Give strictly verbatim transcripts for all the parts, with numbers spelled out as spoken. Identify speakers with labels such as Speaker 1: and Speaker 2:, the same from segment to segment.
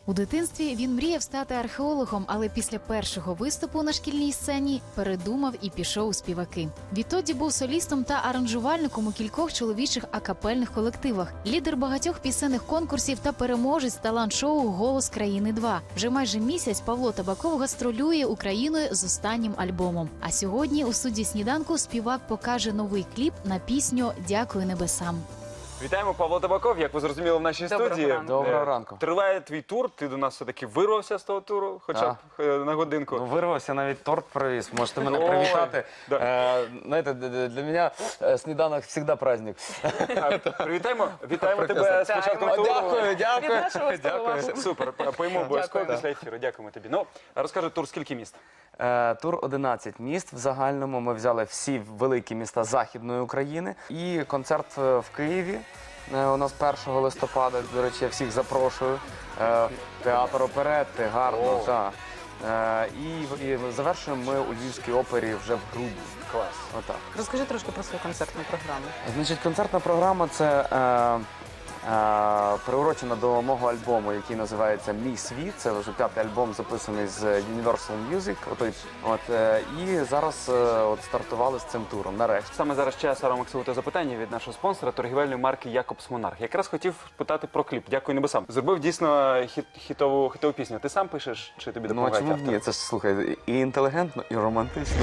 Speaker 1: У дитинстві він мріяв стати археологом, але після першого виступу на шкільній сцені передумав і пішов у співаки. Відтоді був солістом та аранжувальником у кількох чоловічих акапельних колективах, лідер багатьох пісенних конкурсів та переможець талант-шоу «Голос країни-два». Вже майже місяць Павло Табаков гастролює Україною з останнім альбомом. А сьогодні у студії «Сніданку» співак покаже новий кліп на пісню «Дякую небесам».
Speaker 2: Вітаємо, Павло Табаков, як ви зрозуміли в нашій
Speaker 3: Доброго
Speaker 2: студії.
Speaker 3: ранку.
Speaker 4: Доброго ранку.
Speaker 2: Триває твій тур, ти до нас все-таки вирвався з того туру, хоча б е, на годинку.
Speaker 4: Ну, вирвався, навіть торт привіз. Можете мене
Speaker 2: Ой,
Speaker 4: привітати.
Speaker 2: да.
Speaker 4: Е, знаєте, д- д- для мене е, сніданок завжди праздник.
Speaker 2: А, Привітаємо, вітаємо тебе з
Speaker 3: Вітаємо.
Speaker 2: початком
Speaker 4: О,
Speaker 2: туру.
Speaker 4: дякую, дякую.
Speaker 3: Від нашого
Speaker 4: Дякую.
Speaker 3: столу.
Speaker 2: Супер, поїмо обов'язково
Speaker 3: Дякую.
Speaker 2: після ефіру. Дякуємо тобі. Ну, розкажи, тур скільки міст?
Speaker 4: Е, Тур одинадцять міст. В загальному ми взяли всі великі міста Західної України. І концерт е, в Києві. Е, У нас першого листопада, до речі, я всіх запрошую. Е, Театр оперетти, гарно,
Speaker 2: О.
Speaker 4: так. Е, І, і завершуємо ми у Львівській опері вже в грудні.
Speaker 2: Клас.
Speaker 4: Отак.
Speaker 3: Розкажи трошки про свою концертну програму.
Speaker 4: Значить, концертна програма – це е, е, приурочена до мого альбому, який називається «Мій світ». Це вже п'ятий альбом, записаний з Universal Music. Отой, от, е, і зараз е, от, стартували з цим туром, нарешті.
Speaker 2: Саме зараз час Максимову запитання від нашого спонсора, торгівельної марки «Якобс Монарх». Якраз хотів питати про кліп «Дякую небесам». Зробив дійсно хіт, хітову, хітову пісню. Ти сам пишеш чи тобі
Speaker 4: Ну, а
Speaker 2: допомагають
Speaker 4: чому б
Speaker 2: автори?
Speaker 4: ні? Це ж, слухай, і інтелігентно, і романтично.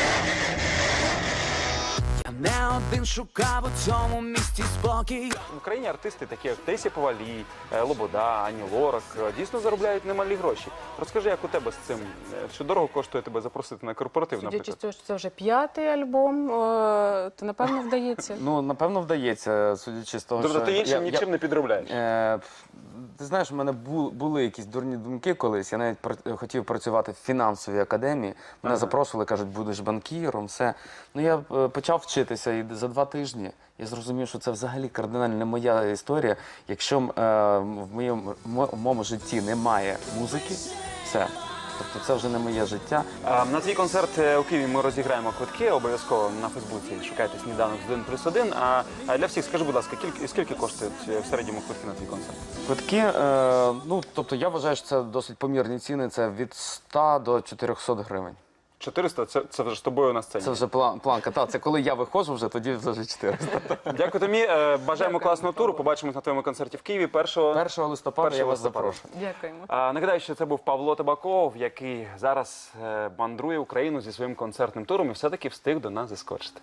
Speaker 5: Я не один шукав у цьому місті спокій.
Speaker 2: В Україні артисти такі, як Тесі Повалій, е, Лобода, Ані Лорак, е, дійсно заробляють немалі гроші. Розкажи, як у тебе з цим? Е, Що дорого коштує тебе запросити на корпоратив,
Speaker 3: Судячи з
Speaker 2: наприклад?
Speaker 3: того, що це вже п'ятий альбом, е, то напевно вдається.
Speaker 4: Ну, напевно, вдається, судячи з того,
Speaker 2: Тобто
Speaker 4: що...
Speaker 2: ти іншим
Speaker 4: я- я-
Speaker 2: нічим не підробляєш?
Speaker 4: Е, Ти знаєш, у мене бу- були якісь дурні думки колись. Я навіть пр- хотів працювати в фінансовій академії. Мене запрошували, кажуть, будеш банкіром, все. Ну, я е, почав вчитися і за два тижні я зрозумів, що це взагалі кардинально не моя історія. Якщо е, в моєму, в моєму житті немає музики, все. Тобто це вже не моє життя.
Speaker 2: А, На твій концерт е, у Києві ми розіграємо квитки обов'язково на Фейсбуці. Шукайте «Сніданок з один плюс один». А а для всіх скажи, будь ласка, кілька, скільки коштують е, в середньому квитки на твій концерт?
Speaker 4: Квитки, е, ну, тобто я вважаю, що це досить помірні ціни, це від ста до чотирьохсот гривень.
Speaker 2: чотириста? Це, це вже з тобою на сцені.
Speaker 4: Це вже план, планка. Так, це коли я виходжу вже, тоді вже чотириста.
Speaker 2: Дякую тобі. е, Бажаємо класного туру. Побачимось на твоєму концерті в Києві першого.
Speaker 4: першого листопада я
Speaker 2: першого
Speaker 4: вас
Speaker 2: листопада.
Speaker 4: запрошую.
Speaker 3: Дякуємо.
Speaker 2: А, Нагадаю, що це був Павло Табаков, який зараз е, мандрує Україну зі своїм концертним туром і все-таки встиг до нас заскочити.